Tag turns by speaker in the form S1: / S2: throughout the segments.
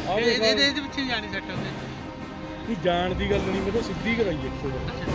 S1: ਇਹਦੇ ਪਿੱਛੇ ਜਾਣੀ ਸੈੱਟ ਹੁੰਦੇ
S2: ਨਹੀਂ ਜਾਣ ਦੀ ਗੱਲ ਨਹੀਂ, ਮੈਂ ਤਾਂ ਸਿੱਧੀ ਕਰਾਈ ਇੱਥੇ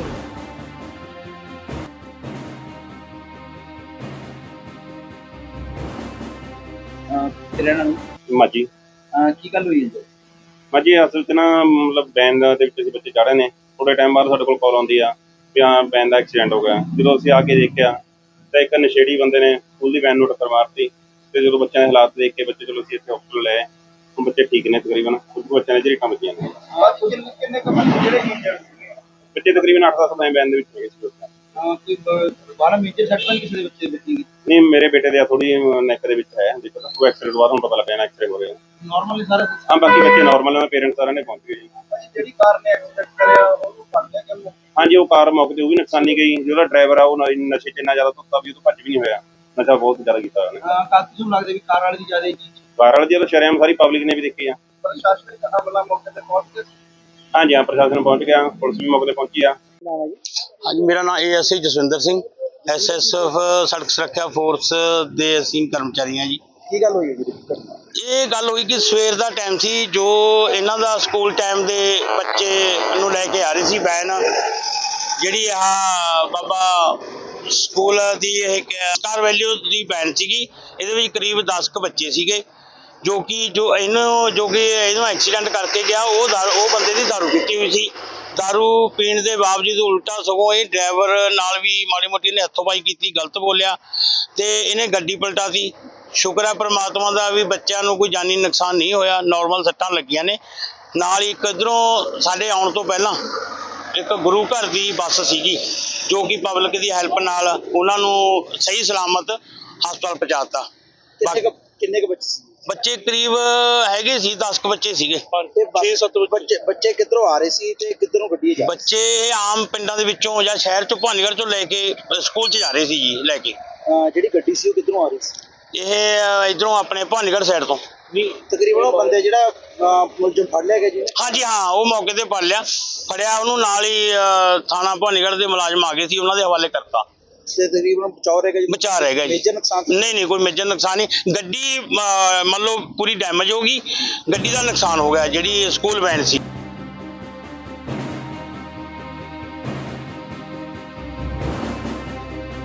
S3: ਮਾਜੀ
S4: ਕੀ ਗੱਲ ਹੋਈ ਹੈ?
S3: ਮਾਜੀ ਅਸਲ 'ਚ ਨਾ ਮਤਲਬ ਵੈਨ ਦੇ ਵਿੱਚ ਅਸੀਂ ਬੱਚੇ ਚੜ੍ਹੇ ਨੇ, ਥੋੜ੍ਹੇ ਟਾਈਮ ਬਾਅਦ ਸਾਡੇ ਕੋਲ ਕਾਲ ਆਉਂਦੀ ਆ ਵੀ ਹਾਂ ਵੈਨ ਦਾ ਐਕਸੀਡੈਂਟ ਹੋ ਗਿਆ। ਜਦੋਂ ਅਸੀਂ ਆ ਕੇ ਦੇਖਿਆ ਤਾਂ ਇੱਕ ਨਸ਼ੇੜੀ ਬੰਦੇ ਨੇ ਸਕੂਲ ਦੀ ਵੈਨ ਨੂੰ ਟੱਕਰ ਮਾਰਤੀ ਤੇ ਜਦੋਂ ਬੱਚਿਆਂ ਦੇ ਹਾਲਾਤ ਦੇਖ ਕੇ ਬੱਚੇ ਚਲੋ ਅਸੀਂ ਇੱਥੇ ਹਸਪਤਾਲ ਲਏ। ਹੁਣ ਬੱਚੇ ਠੀਕ ਨੇ ਤਕਰੀਬਨ, ਕੁਝ ਬੱਚਿਆਂ ਦੇ ਝਰੀਟਾਂ ਵੱਜੀਆਂ ਨੇ।
S4: ਕਿੰਨੇ ਕੁ ਬੱਚੇ ਜਿਹੜੇ ਇੰਜਰਡ ਸੀਗੇ?
S3: ਬੱਚੇ ਤਕਰੀਬਨ 8-10 ਵੈਨ ਦੇ ਵਿੱਚ ਹੈਗੇ ਸੀ।
S4: ਕੋਈ ਬਾਹਲਾ ਮੇਜਰ ਸੱਟ ਤਾਂ ਕਿਸੇ ਦੇ ਬੱਚੇ ਵੱਜੀ?
S3: ਨਹੀਂ, ਮੇਰੇ ਬੇਟੇ ਦੇ ਥੋੜੀ ਨੈਕ ਦੇ ਵਿੱਚ ਹੈ, ਦੇਖੋ ਤਾਂ ਉਹ ਐਕਸੀਡੈਂਟ ਬਾਅਦ ਹੁਣ ਪਤਾ ਲੱਗਿਆ ਨਾ ਐਕਸੀਡੈਂਟ ਹੋ ਰਿਹਾ।
S4: ਨਾਰਮਲੀ ਸਾਰਾ
S3: ਹਾਂ, ਬਾਕੀ ਬੱਚੇ ਨਾਰਮਲ ਨੇ, ਪੇਰੈਂਟਸ ਸਾਰਿਆਂ ਨੇ ਪਹੁੰਚ ਗਏ ਜੀ।
S4: ਜਿਹੜੀ ਕਾਰ ਨੇ ਐਕਸੀਡੈਂਟ ਕਰਿਆ ਉਹਨੂੰ ਫੜ ਲਿਆ ਕਿ?
S3: ਹਾਂਜੀ, ਉਹ ਕਾਰ ਮੌਕੇ ਤੇ ਉਹ ਵੀ ਨੁਕਸਾਨੀ ਗਈ। ਜਿਹੜਾ ਡਰਾਈਵਰ ਆ ਉਹ ਨਸ਼ੇ 'ਚ ਇੰਨਾ ਜ਼ਿਆਦਾ ਧੁੱਤਾ ਵੀ ਉਹ ਤੋਂ ਭੱਜ ਵੀ ਨਹੀਂ ਹੋਇਆ। ਨਸ਼ਾ ਬਹੁਤ ਜ਼ਿਆਦਾ ਕੀਤਾ ਉਹਨੇ।
S4: ਕਾਫੀ ਨੂੰ ਲੱਗਦਾ ਵੀ ਕਾਰ ਵਾਲੇ ਦੀ ਜ਼ਿਆਦਾ ਜੀ
S3: ਕਾਰ ਵਾਲੇ ਦੀ ਸ਼ਰੇਆਮ ਸਾਰੀ ਪਬਲਿਕ ਨੇ ਵੀ ਦੇਖੀ ਆ।
S4: ਪ੍ਰਸ਼ਾਸਨਿਕ ਅਮਲਾ ਮੌਕੇ ਤੇ ਪਹੁੰਚ ਕੇ?
S3: ਹਾਂਜੀ ਹਾਂ, ਪ੍ਰਸ਼ਾਸਨ ਪਹੁੰਚ ਗਿਆ, ਪੁਲਿਸ ਵੀ ਮੌਕੇ ਤੇ ਪਹੁੰਚੀ ਆ।
S5: ਹਾਂਜੀ, ਮੇਰਾ ਨਾਮ ASI ਜਸਵਿੰਦਰ ਸਿੰਘ, SSF ਸੜਕ ਸੁਰੱਖਿਆ ਫੋਰਸ ਦੇ ਅਸੀਂ ਕਰਮਚਾਰੀ ਹਾਂ ਜੀ।
S4: ਕੀ ਗੱਲ ਹੋਈ ਹੈ ਜੀ?
S5: ਇਹ ਗੱਲ ਹੋਈ ਕਿ ਸਵੇਰ ਦਾ ਟਾਈਮ ਸੀ, ਜੋ ਇਹਨਾਂ ਦਾ ਸਕੂਲ ਟਾਈਮ ਦੇ ਬੱਚੇ ਨੂੰ ਲੈ ਕੇ ਆ ਰਹੀ ਸੀ ਵੈਨ, ਜਿਹੜੀ ਆਹ ਬਾਬਾ ਸਕੂਲ ਦੀ ਇਹ ਸਟਾਰ ਵੈਲਿਊ ਦੀ ਵੈਨ ਸੀਗੀ। ਇਹਦੇ ਵਿੱਚ ਕਰੀਬ 10 ਕੁ ਬੱਚੇ ਸੀਗੇ, ਜੋ ਕਿ ਇਹਨੂੰ ਐਕਸੀਡੈਂਟ ਕਰਕੇ ਗਿਆ ਉਹ ਬੰਦੇ ਦੀ ਦਾਰੂ ਪੀਤੀ ਹੋਈ ਸੀ। ਦਾਰੂ ਪੀਣ ਦੇ ਬਾਵਜੂਦ ਉਲਟਾ ਸਗੋਂ ਇਹ ਡਰਾਈਵਰ ਨਾਲ ਵੀ ਮਾੜੀ ਮੋਟੀ ਇਹਨੇ ਹੱਥੋਂ-ਪਾਈ ਕੀਤੀ, ਗਲਤ ਬੋਲਿਆ ਤੇ ਇਹਨੇ ਗੱਡੀ ਪਲਟਾਤੀ। ਸ਼ੁਕਰ ਹੈ ਪ੍ਰਮਾਤਮਾ ਦਾ ਵੀ ਬੱਚਿਆਂ ਨੂੰ ਕੋਈ ਜਾਨੀ ਨੁਕਸਾਨ ਨਹੀਂ ਹੋਇਆ, ਨਾਰਮਲ ਸੱਟਾਂ ਲੱਗੀਆਂ ਨੇ। ਨਾਲ ਹੀ ਇੱਕ ਇੱਧਰੋਂ ਸਾਡੇ ਆਉਣ ਤੋਂ ਪਹਿਲਾਂ ਇੱਕ ਗੁਰੂ ਘਰ ਦੀ ਬੱਸ ਸੀਗੀ, ਜੋ ਕਿ ਪਬਲਿਕ ਦੀ ਹੈਲਪ ਨਾਲ ਉਹਨਾਂ ਨੂੰ ਸਹੀ ਸਲਾਮਤ ਹਸਪਤਾਲ ਪਹੁੰਚਾਤਾ।
S4: ਕਿੰਨੇ ਕੁ ਬੱਚੇ ਸੀ?
S5: ਬੱਚੇ ਕਰੀਬ ਹੈਗੇ ਸੀ 10 ਕੁ ਬੱਚੇ ਸੀਗੇ।
S4: 6-7 ਬੱਚੇ ਕਿੱਧਰੋਂ ਆ ਰਹੇ ਸੀ ਤੇ ਕਿੱਧਰੋਂ ਗੱਡੀ ਜਾ?
S5: ਬੱਚੇ ਆਮ ਪਿੰਡਾਂ ਦੇ ਵਿੱਚੋਂ ਜਾਂ ਸ਼ਹਿਰ ਚੋਂ ਭਵਾਨੀਗੜ੍ਹ ਚੋਂ ਲੈ ਕੇ ਸਕੂਲ 'ਚ ਜਾ ਰਹੇ ਸੀ ਜੀ, ਲੈ ਕੇ।
S4: ਜਿਹੜੀ ਗੱਡੀ ਸੀ ਉਹ ਕਿੱਧਰੋਂ ਆ ਰਹੀ ਸੀ?
S5: ਇਹ ਇਧਰੋਂ ਆਪਣੇ ਭਵਾਨੀਗੜ੍ਹ ਸਾਈਡ ਤੋਂ।
S4: ਤਕਰੀਬਨ ਉਹ ਬੰਦੇ ਜਿਹੜਾ ਮੁਲਜ਼ਮ ਫੜ ਲਿਆ ਗਿਆ ਜੀ?
S5: ਹਾਂਜੀ ਹਾਂ, ਉਹ ਮੌਕੇ ਤੇ ਫੜਿਆ ਉਹਨੂੰ, ਨਾਲ ਹੀ ਥਾਣਾ ਭਵਾਨੀਗੜ੍ਹ ਦੇ ਮੁਲਾਜ਼ਮ ਆ ਗਏ ਸੀ, ਉਹਨਾਂ ਦੇ ਹਵਾਲੇ ਕਰਤਾ।
S4: ਤੇ ਤਕਰੀਬਨ ਬਚਾਅ ਰਹਿ ਗਿਆ ਜੀ?
S5: ਬਚਾ ਰਹਿ ਗਿਆ ਜੀ।
S4: ਮੇਜਰ ਨੁਕਸਾਨ?
S5: ਨਹੀਂ, ਕੋਈ ਮੇਜਰ ਨੁਕਸਾਨ ਨਹੀਂ। ਗੱਡੀ ਮੰਨ ਲਓ ਪੂਰੀ ਡੈਮੇਜ ਹੋ ਗਈ, ਗੱਡੀ ਦਾ ਨੁਕਸਾਨ ਹੋ ਗਿਆ ਜਿਹੜੀ ਸਕੂਲ ਵੈਨ ਸੀ।